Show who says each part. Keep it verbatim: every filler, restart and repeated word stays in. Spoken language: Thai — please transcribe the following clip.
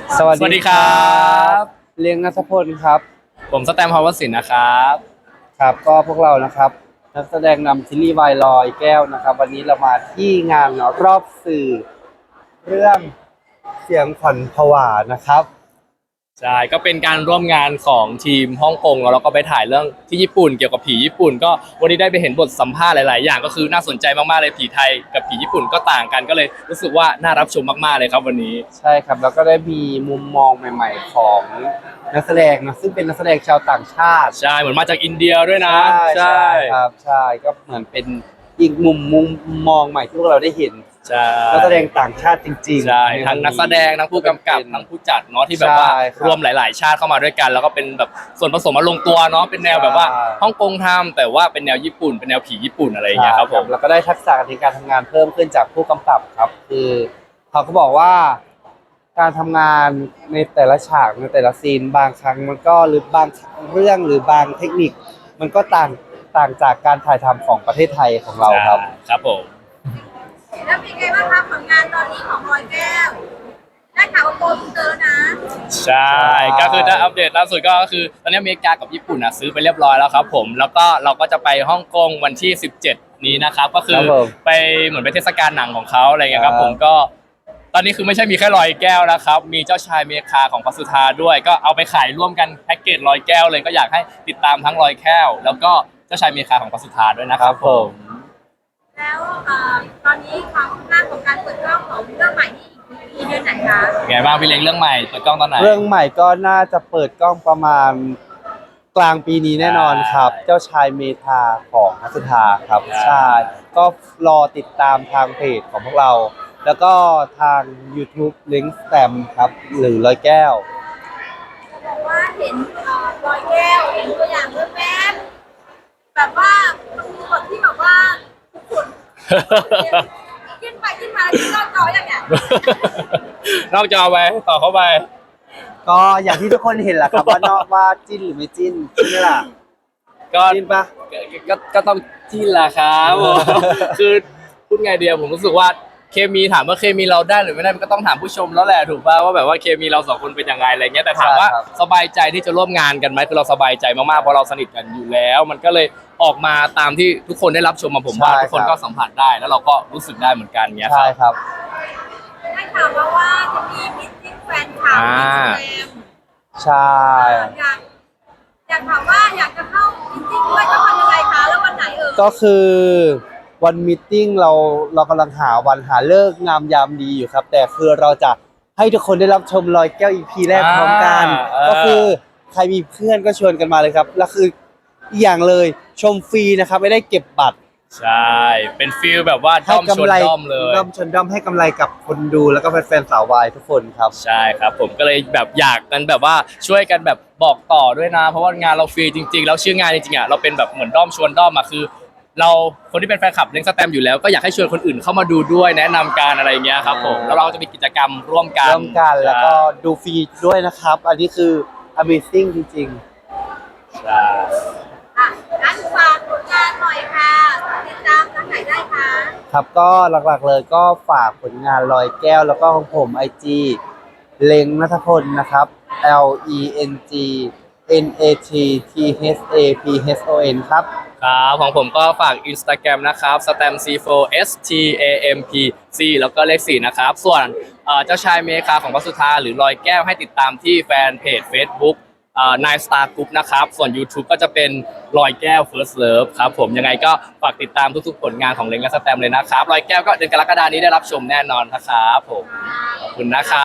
Speaker 1: สวัส
Speaker 2: สวัส
Speaker 1: ดี
Speaker 2: ดี
Speaker 1: ค
Speaker 2: ค
Speaker 1: รั
Speaker 2: รับ บ
Speaker 1: เลี้ยงนัทพลครับ
Speaker 2: ผมสแตมป์ ภาวสินนะครับ
Speaker 1: ครับก็พวกเรานะครับนักแสดงนำซีรีส์วายลอยแก้วนะครับวันนี้เรามาที่งานรอบสื่อเรื่องเสียงขวัญผวานะครับ
Speaker 2: ใช่ก็เป็นการร่วมงานของทีมฮ่องกงแล้วเราก็ไปถ่ายเรื่องที่ญี่ปุ่นเกี่ยวกับผีญี่ปุ่นก็วันนี้ได้ไปเห็นบทสัมภาษณ์หลายๆอย่างก็คือน่าสนใจมากๆเลยผีไทยกับผีญี่ปุ่นก็ต่างกันก็เลยรู้สึกว่าน่ารับชมมากๆเลยครับวันนี้
Speaker 1: ใช่ครับแล้วก็ได้มีมุมมองใหม่ๆของนักแสดงนะซึ่งเป็นนักแสดงชาวต่างชาติ
Speaker 2: ใช่เหมือนมาจากอินเดียด้วยนะ
Speaker 1: ใช่ครับใช่ก็เหมือนเป็นอีกมุมมุมมองใหม่ที่พวกเราได้เห็น
Speaker 2: ใช่
Speaker 1: นักแสดงต่างชาติจริงๆ
Speaker 2: ใช่
Speaker 1: ในวั
Speaker 2: ทั้งนักแสดงทั้งผู้กำกับทั้งผู้จัดเนาะที่แบบว่า
Speaker 1: ใช่ครับ
Speaker 2: รวมหลาย ๆ ชาติเข้ามาด้วยกันแล้วก็เป็นแบบส่วนผสมมาลงตัวเนาะเป็นแนวแบบว่าฮ่องกงทำแต่ว่าเป็นแนวญี่ปุ่นเป็นแนวผีญี่ปุ่นอะไรอย่างเงี้ยครับผม
Speaker 1: แล้วก็ได้ทักษะในการทำงานเพิ่มขึ้นจากผู้กำกับครับ คือเขาก็บอกว่าการทำงานในแต่ละฉากในแต่ละซีนบางครั้งมันก็หรือบางเรื่องหรือบางเทคนิค มันก็ต่างต่างจากการถ่ายทำของประเทศไทยของเราครับ
Speaker 2: ครับผม
Speaker 3: แล้วเป็นไงบ้างคะผลงานตอนนี้ของรอยแก้วได้ข่าวว่าโกลเตอร์นะ
Speaker 2: ใช่ก็คือถ้าอัปเดตล่าสุดก็คือตอนนี้อเมริกากับญี่ปุ่นอ่ะซื้อไปเรียบร้อยแล้วครับผมแล้วก็เราก็จะไปฮ่องกงวันที่สิบเจ็ดนี้นะครับก็คือไปเหมือนไปเทศกาลหนังของเขาอะไรเงี้ยครับผมก็ตอนนี้คือไม่ใช่มีแค่ลอยแก้วนะครับมีเจ้าชายเมคาของพระสุธาด้วยก็เอาไปขายร่วมกันแพ็กเกจลอยแก้วเลยก็อยากให้ติดตามทั้งลอยแก้วแล้วก็เจ้าชายเมคาของพระสุธาด้วยนะครับผม
Speaker 3: แล้วเอ่อตอนนี้ความคืบหน้าของการเปิดกล้องของเรื่องใหม่นี่อีกเดือนไหนคะ
Speaker 2: ไงบ้างพี่เล้งเรื่องใหม่เปิดกล้องตอนไหน
Speaker 1: เรื่องใหม่ก็น่าจะเปิดกล้องประมาณกลางปีนี้แน่นอนครับ
Speaker 2: ใช่
Speaker 1: เจ้าชายเมธาของนักสุธาครับ
Speaker 2: ใช่
Speaker 1: ใช่ ก็รอติดตามทางเพจของพวกเรา แล้วก็ทาง YouTube ลิงก์แตมครับ หรือร้อยแก้ว
Speaker 3: บอกว่าเห็นเอ่อรอยแก้วเห็นตัวอย่างเรื่องแม่แบบว่ามันมีบทที่แบบว่าขุ่นขึ้นไปขึ้นมาแล้วขึ้นยอดจออย่างเงี้ย
Speaker 2: นอกจอไปต่อเข้าไป
Speaker 1: ก็อย่างที่ทุกคนเห็นแหละครับ ว่านอกว่าจิ้นหรือไม่จิ้นใช่ไหมล่ะ
Speaker 2: ก็
Speaker 1: จิ้นปะ
Speaker 2: ก็ก็ก็ต้องจิ้นแหละครับผม คือพูดไงเดียวผมรู้สึกว่าเคมีถามว่าเคมีเราได้หรือไม่ได้มันก็ต้องถามผู้ชมแล้วแหละถูกป่ะว่าแบบว่าเคมีเราสองคนเป็นยังไงอะไรเงี้ยแต่ถามว่าสบายใจที่จะร่วมงานกันไหมคือเราสบายใจมากๆเพราะเราสนิทกันอยู่แล้ว มันก็เลยออกมาตามที่ทุกคนได้รับชมมาผมว่าทุกคนก็สัมผัสได้ แล้วเราก็รู้สึกได้เหมือนกันเงี้ยค
Speaker 1: ใช่
Speaker 2: รับ
Speaker 1: ครับ
Speaker 3: ได้ข่าวมาว่าจะมีมิตติ้งแฟนคลับ
Speaker 2: อ่า
Speaker 3: ที่แสดง
Speaker 1: ใช่
Speaker 3: อยากอยากถามว่าอยากจะเข้ามิตติ้งด้วยต้องทำยังไงคะแล้ววันไหนเอ่ย
Speaker 1: ก็คือวันมีตติ้งเราเรากำลังหาวันหาเลิกษ์งามยามดีอยู่ครับ แต่คือเราจะให้ทุกคนได้รับชมรอยแก้ว อี พี แรกพร้อมกัน
Speaker 2: อ่า
Speaker 1: ก็คือใครมีเพื่อนก็ชวนกันมาเลยครับแล้วคืออีกอย่างเลยชมฟรีนะครับไม่ได้เก็บบัตร
Speaker 2: ใช่เป็นฟิลแบบว่าด้อมชนด้อมเลย
Speaker 1: ด้อมชนด้อมให้กำไรกับคนดูแล้วก็แฟนๆสาววายทุกคนครับ
Speaker 2: ใช่ครับผมก็เลยแบบอยากกันแบบว่าช่วยกันแบบบอกต่อด้วยนะ เพราะว่างานเราฟรีจริงๆแล้วชื่องานจริงๆอ่ะเราเป็นแบบเหมือนด้อมชวนด้อมอ่ะคือ เราคนที่เป็นแฟนคลับเล้งสแตมป์อยู่แล้วก็อยากให้ชวนคนอื่นเข้ามาดูด้วยแนะนำการอะไรอย่างเงี้ยครับผมแล้วเราจะมีกิจกรรมร่วมกัน
Speaker 1: ร่วมกันแล้วก็ดูฟรีด้วยนะครับ อันนี้คือ Amazing จริง
Speaker 2: ใช่
Speaker 3: อ่ะงั้นฝากผลงานหน่อยค่ะติดตามทางไหนได้คะ
Speaker 1: ๆ ครับก็หลักๆเลยก็ฝากผลงานลอยแก้วแล้วก็ของผม ไอ จี เล็งนัทพลนะครับ L E N G N A T T H A P H O N ครับ
Speaker 2: ครับของผมก็ฝาก Instagram นะครับ stamp ซี โฟร์ S T A M P C แล้วก็เลขสี่นะครับส่วนเอ่อเจ้าชายเมคาของพระสุธาหรือลอยแก้วให้ติดตามที่แฟนเพจ Facebook เอ่อ Nine Star Group นะครับส่วน YouTube ก็จะเป็นลอยแก้ว First Love ครับผมยังไงก็ฝากติดตามทุกๆผลงานของเล้งและสแตมป์เลยนะครับลอยแก้วก็เดือนกรกฎานี้ได้รับชมแน่นอนนะครับผมขอบคุณนะครับ